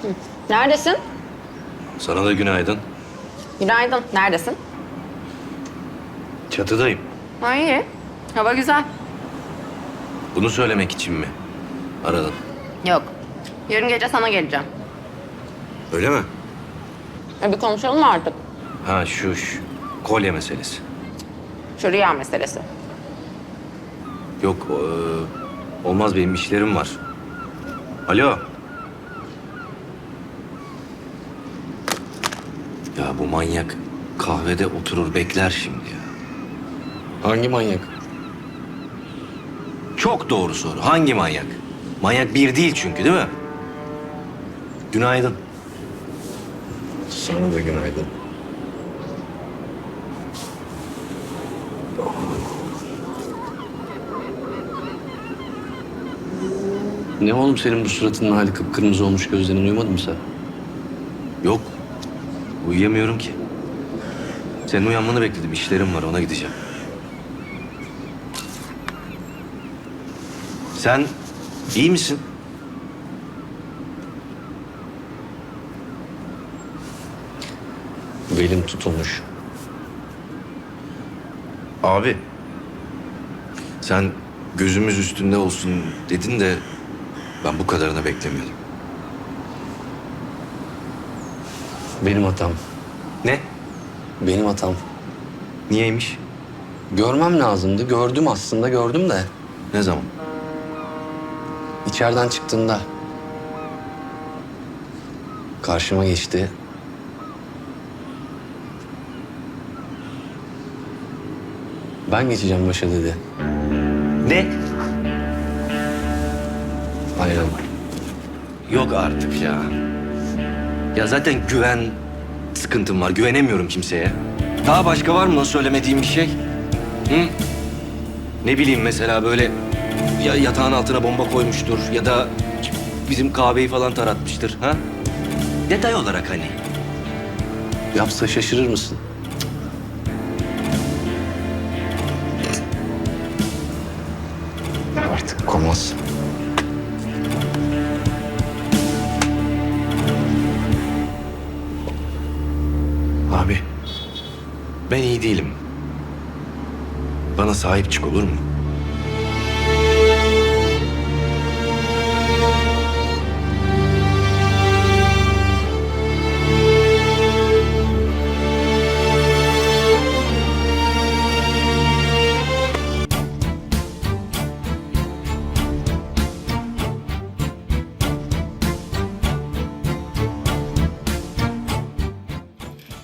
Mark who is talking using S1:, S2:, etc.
S1: Neredesin?
S2: Sana da günaydın.
S1: Günaydın. Neredesin?
S2: Çatıdayım.
S1: Ha, iyi. Hava güzel.
S2: Bunu söylemek için mi aradın?
S1: Yok. Yarın gece sana geleceğim.
S2: Öyle mi?
S1: Bir konuşalım mı artık?
S2: Ha şu kolye meselesi.
S1: Şu rüya meselesi.
S2: Yok olmaz, benim işlerim var. Alo. Ya bu manyak kahvede oturur bekler şimdi ya.
S3: Hangi manyak?
S2: Çok doğru soru. Hangi manyak? Manyak bir değil çünkü, değil mi? Günaydın.
S3: Sana da günaydın. Ne oğlum senin bu suratının hali kıpkırmızı olmuş, gözlerin uyumadı mı sen?
S2: Yok. Uyuyamıyorum ki. Senin uyanmanı bekledim. İşlerim var, ona gideceğim. Sen iyi misin?
S3: Belim tutulmuş.
S2: Abi. Sen gözümüz üstünde olsun dedin de ben bu kadarını beklemiyordum.
S3: Benim hatam.
S2: Ne?
S3: Benim hatam.
S2: Niyeymiş?
S3: Görmem lazımdı. Gördüm aslında, gördüm de.
S2: Ne zaman?
S3: İçeriden çıktığında karşıma geçti. Ben geçeceğim başa dedi.
S2: Ne?
S3: Aynen.
S2: Yok artık ya. Ya zaten güven sıkıntım var. Güvenemiyorum kimseye. Daha başka var mı söylemediğim bir şey? Hı? Ne bileyim, mesela böyle ya yatağın altına bomba koymuştur ya da bizim kahveyi falan taratmıştır. Ha? Detay olarak hani.
S3: Yapsa şaşırır mısın? Artık komaz.
S2: Abi, ben iyi değilim. Bana sahip çık, olur mu?